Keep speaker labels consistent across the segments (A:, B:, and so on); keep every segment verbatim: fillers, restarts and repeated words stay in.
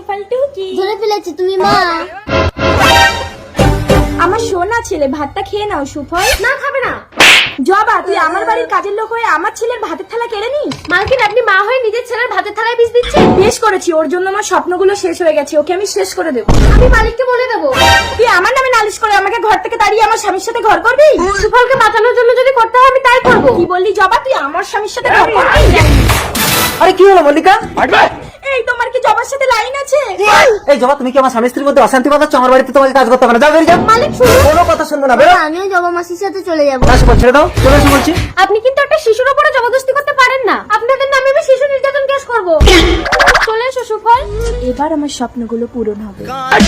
A: ফালতু কি
B: ধরে ফেলেছি তুমি মা।
A: আমার সোনা ছেলে, ভাতটা খেয়ে নাও সুফল।
B: না খাবে না।
A: জবা, তুই আমার বাড়ির কাজের লোক হয়ে আমার ছেলের ভাতের থালা কেড়ে নিস।
B: মালকিন, আপনি মা হয়ে নিজের ছেলের ভাতের থালায় বিষ দিচ্ছেন।
A: বেশ করেছি, ওর জন্য আমার স্বপ্নগুলো শেষ হয়ে গেছে, ওকে আমি শেষ করে দেবো।
B: আমি মালিককে বলে দেবো।
A: তুই আমার নামে নালিশ করে আমাকে ঘর থেকে তাড়িয়ে আমার স্বামীর সাথে ঘর করবি?
B: সুফলকে বাঁচানোর জন্য যদি করতে হয় আমি তাই করবো।
A: কি বললি জবা, তুই আমার স্বামীর সাথে ঘর করবি?
C: আরে কি হলো মল্লিকা?
A: এই তোমার কি জবার সাথে লাইন আছে?
C: এই জবা, তুমি কি আমার স্বামী স্ত্রীর মধ্যে অশান্তি বাঁধাচ্ছ? আমার বাড়িতে তোমাকে কাজ করতে হবে না, যাও বেরিয়ে যাও।
B: মালিক শুনুন,
C: কোনো কথা শুনবো না, বেরো।
B: আমিও জবা মাসির সাথে চলে যাবো।
C: না সুফল, ছেড়ে দাও, চলে এসো বলছি।
B: আপনি কিন্তু একটা শিশুর উপরে জবরদস্তি করতে পারেন না। আপনাদের নামে আমি শিশু নির্যাতন কেস করবো। চলে এসো সুফল।
A: এবার আমার স্বপ্নগুলো পূরণ হবে।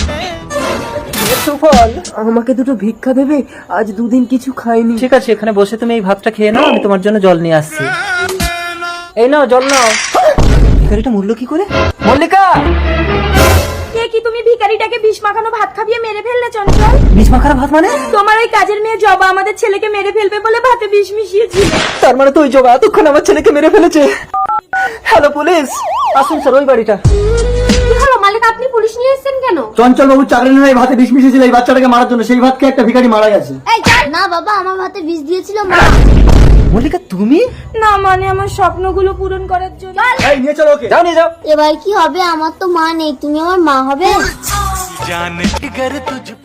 D: সুফল, আমাকে দুটো ভিক্ষা দেবে? আজ দুদিন কিছু খাইনি।
C: ঠিক আছে, এখানে বসে তুমি এই ভাতটা খেয়ে নাও, আমি তোমার জন্য জল নিয়ে আসছি। এই নাও জল নাও। ভিখারিটা মূল্য কি করে? মল্লিকা!
A: কে কি তুমি ভিখারিটাকে বিষ মাখানো ভাত খাবিয়ে মেরে ফেললে চঞ্চল?
C: বিষ মাখার ভাত মানে?
A: তোমার ওই কাজের মেয়ে জবা আমাদের ছেলেকে মেরে ফেলবে বলে ভাতে বিষ মিশিয়েছিল।
C: তার মানে তো ওই জবা এতক্ষণ আমার ছেলেকে মেরে ফেলেছে। হ্যালো পুলিশ, আসুন স্যার ওই বাড়িটা।
B: কি হলো মালিক, আপনি পুলিশ নিয়ে এসেছেন কেন?
E: চঞ্চল বাবু চাকরি নিয়ে ভাতে বিষ মিশিয়েছিল এই বাচ্চাটাকে মারার জন্য, সেই ভাতকে একটা ভিখারি মারা গেছে।
B: এই চল না বাবা, আমার ভাতে বিষ দিয়েছিল মা।
C: মল্লিকা তুমি?
A: না মানে আমার স্বপ্নগুলো পূরণ করার জন্য।
E: এই নিয়ে চলো ওকে।
C: যাও নিয়ে যাও।
B: এবার কি হবে? আমার তো মা নেই, তুমি আমার মা হবে।
F: जान अगर तुझ